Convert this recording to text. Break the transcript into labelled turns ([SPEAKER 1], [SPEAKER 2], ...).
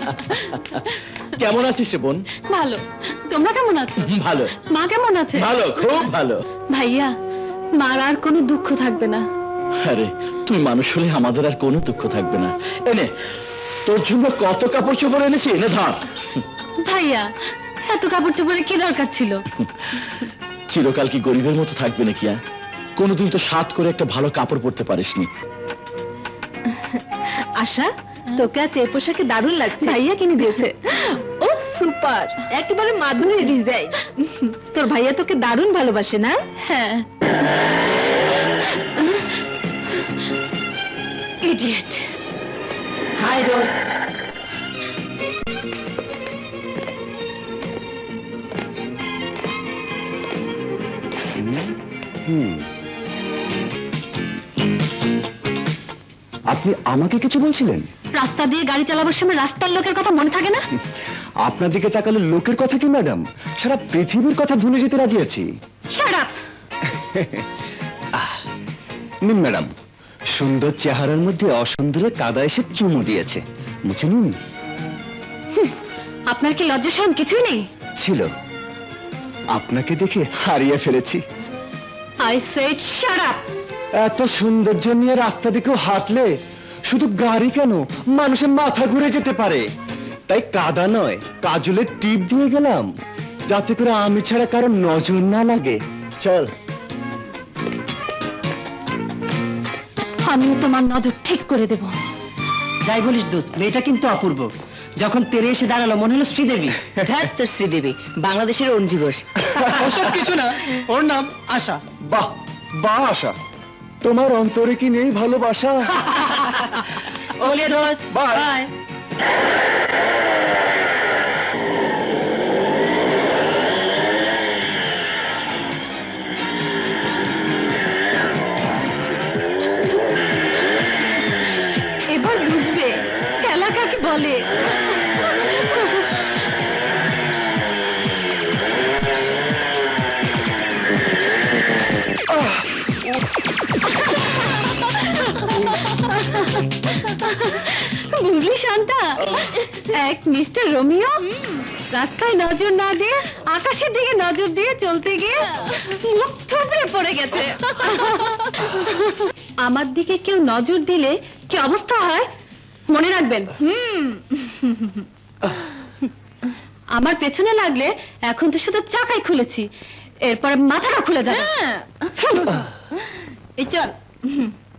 [SPEAKER 1] কেমন আছিস রে বোন?
[SPEAKER 2] ভালো। তোমরা কেমন আছো?
[SPEAKER 1] ভালো।
[SPEAKER 2] মা কেমন আছে?
[SPEAKER 1] ভালো, খুব ভালো।
[SPEAKER 2] ভাইয়া, মার আর কোনো দুঃখ থাকবে না।
[SPEAKER 1] আরে তুই মানুষ হলে আমাদের আর কোনো দুঃখ থাকবে না। এনে তোর জন্য কত কাপড় চোপড় এনেছি, এনে ধর।
[SPEAKER 2] ভাইয়া, এত কাপড় চোপড়ে কি দরকার ছিল?
[SPEAKER 1] চিরকাল কি গরিবের মতো থাকবে নাকি? কোনোদিন তো সাত করে একটা ভালো কাপড় পরতে পারিসনি।
[SPEAKER 2] আশা, তোকে আজ এই পোশাকে দারুণ লাগছে। ভাইয়া কিনে দিয়েছে। ও সুপার, একেবারে মাধুরী ডিজাইন। তোর ভাইয়া তোকে দারুণ ভালোবাসে না? হ্যাঁ। ইডিয়েট। Hi Rose.
[SPEAKER 3] আপনি আমাকে কিছু বলছিলেন?
[SPEAKER 2] রাস্তা দিয়ে গাড়ি চালাবার সময় রাস্তার লোকের কথা মনে থাকে না?
[SPEAKER 3] আপনার দিকে তাকালে লোকের কথা কি ম্যাডাম, সারা পৃথিবীর কথা ভুলে যেতে রাজি আছি।
[SPEAKER 2] Shut up.
[SPEAKER 3] নিন ম্যাডাম, সুন্দর চেহারার মধ্যে অসুন্দরের কাদা এসে চুমু দিয়েছে, মুছে নিন।
[SPEAKER 2] আপনার কি লজ্জা শরম কিছুই নেই?
[SPEAKER 3] ছিল, আপনাকে দেখে হারিয়ে ফেলেছি।
[SPEAKER 2] I said shut up.
[SPEAKER 3] এত সৌন্দর্য নিয়ে রাস্তা দিকেও হাঁটলে শুধু গাড়ি কেন, মানুষের মাথা ঘুরে যেতে পারে। তাই কাদা নয়, কাজলের টিপ দিয়ে গেলাম, যাতে করে আমি ছাড়া কারো নজর না লাগে। চল।
[SPEAKER 2] আমিও তোমার নজর ঠিক করে দেব।
[SPEAKER 4] যাই বলিস দোস্ত, মেয়েটা কিন্তু অপূর্ব। যখন তেরে এসে দাঁড়ালো মনে হলো শ্রীদেবী।
[SPEAKER 5] ধ্যাত তোর শ্রীদেবী, বাংলাদেশের অঞ্জি ঘোষ।
[SPEAKER 4] ওসব কিছু না, ওর নাম আশা।
[SPEAKER 3] বাহ বাহ আশা, তোমার অন্তরে কি নেই ভালোবাসা?
[SPEAKER 4] চলিয়ে দোস্ত,
[SPEAKER 3] বাই।
[SPEAKER 4] বাই।
[SPEAKER 2] এবার বুঝবে খেলা কাকে বলে। বুঝলি শান্তা, এক মিস্টার রোমিও রাস্তায় নজর না দিয়ে আকাশের দিকে নজর দিয়ে চলতে গিয়ে মুখ থুবড়ে পড়ে গেছে। আমার দিকে কেউ নজর দিলে কি অবস্থা হয় মনে রাখবেন। আমার পেছনে লাগলে এখন তো শুধু চাকাই খুলেছি, এরপর মাথাটা খুলে যাবে। এই চল।